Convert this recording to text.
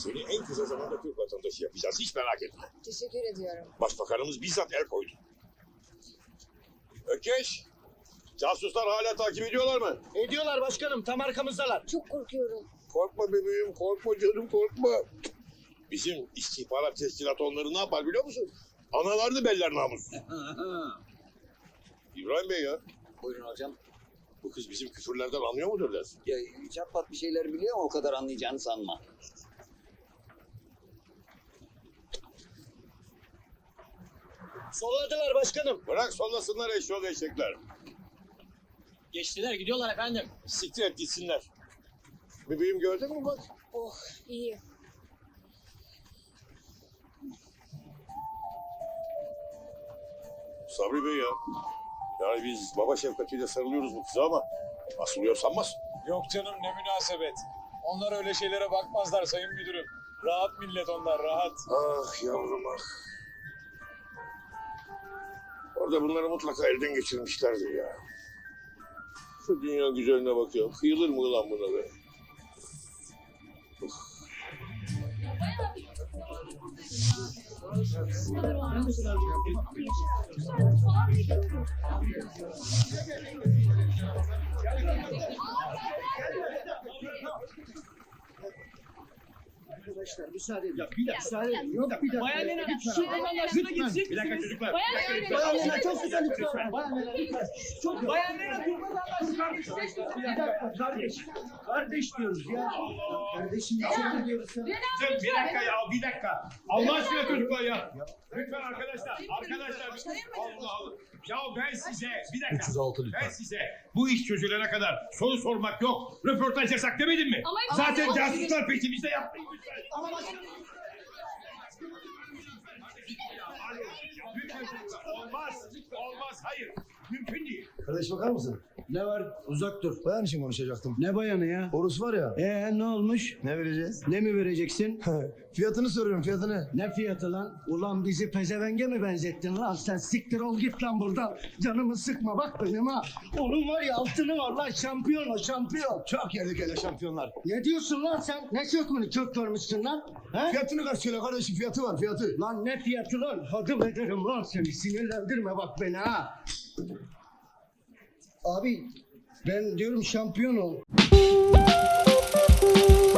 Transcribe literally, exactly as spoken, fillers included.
Seni en kısa zamanda Türk vatandaşı yapacağız. Hiç merak etme. Teşekkür ediyorum. Başbakanımız bizzat el koydu. Ökeş, casuslar hala takip ediyorlar mı? Ediyorlar başkanım, tam arkamızdalar. Çok korkuyorum. Korkma bebeğim, korkma canım, korkma. Bizim istihbarat teşkilatı onları ne yapar biliyor musun? Analarını beller namus. İbrahim Bey ya, Buyurun hocam. bu kız bizim küfürlerden anlıyor mudur dersin? Ya çatpat bir şeyler biliyor ama o kadar anlayacağını sanma. Solladılar başkanım. Bırak sollasınlar eşyol eşekler. Geçtiler, gidiyorlar efendim. Siktir et gitsinler. Bebeğim gördün mü bak? Oh, iyi. Sabri Bey ya. Yani biz baba şefkatiyle sarılıyoruz bu kıza ama asılıyor sanmaz. Yok canım ne münasebet. Onlar öyle şeylere bakmazlar sayın müdürüm. Rahat millet onlar rahat. Ah yavrum ah. Orada bunları mutlaka elden geçirmişlerdir ya. Şu dünya güzeline bak ya. Kıyılır mı ulan buna be? Uf. Arkadaşlar müsaade edin. Bir dakika. Müsaade edin. Yok bir dakika. Bayan Lena, şu vatandaşına gidecek Bir dakika çocuklar. Bayan Bir dakika. Lena, Bayan Lena çok güzel lütfen. Bayan Lena lütfen. Çok Bayan Lena, Türk vatandaşına gidecek. Bir dakika kardeş. Kardeş diyoruz ya. Kardeşim içeri diyoruz ya. Bir dakika ya, bir dakika. Allah aşkına çocuklar ya. Lütfen arkadaşlar, arkadaşlar. Allah Allah. Ya ben size, bir dakika. üç yüz altı lütfen. Ben size bu iş çözülene kadar soru sormak yok, röportaj yasak demedim mi? Ama- Zaten ama- casuslar peşimizde yapmayın lütfen. Lütfen çocuklar, olmaz, olmaz, hayır. Mümkün değil. Kardeş bakar mısın? Ne var? Uzak dur. Bayan için konuşacaktım. Ne bayanı ya? Orus var ya. Ee ne olmuş? Ne vereceğiz? Ne mi vereceksin? Fiyatını soruyorum fiyatını. Ne fiyatı lan? Ulan bizi pezevenge mi benzettin lan? Sen siktir ol git lan buradan. Canımı sıkma bak benim ha. Onun var ya altını var lan şampiyon o şampiyon. Çok yerdik hele şampiyonlar. Ne diyorsun lan sen? Ne sökmünü kök görmüşsün lan? He? Fiyatını kaç söyle kardeşim fiyatı var fiyatı. Lan ne fiyatı lan? Hadım ederim lan seni. Sinirlendirme bak beni ha. Abi ben diyorum şampiyon ol.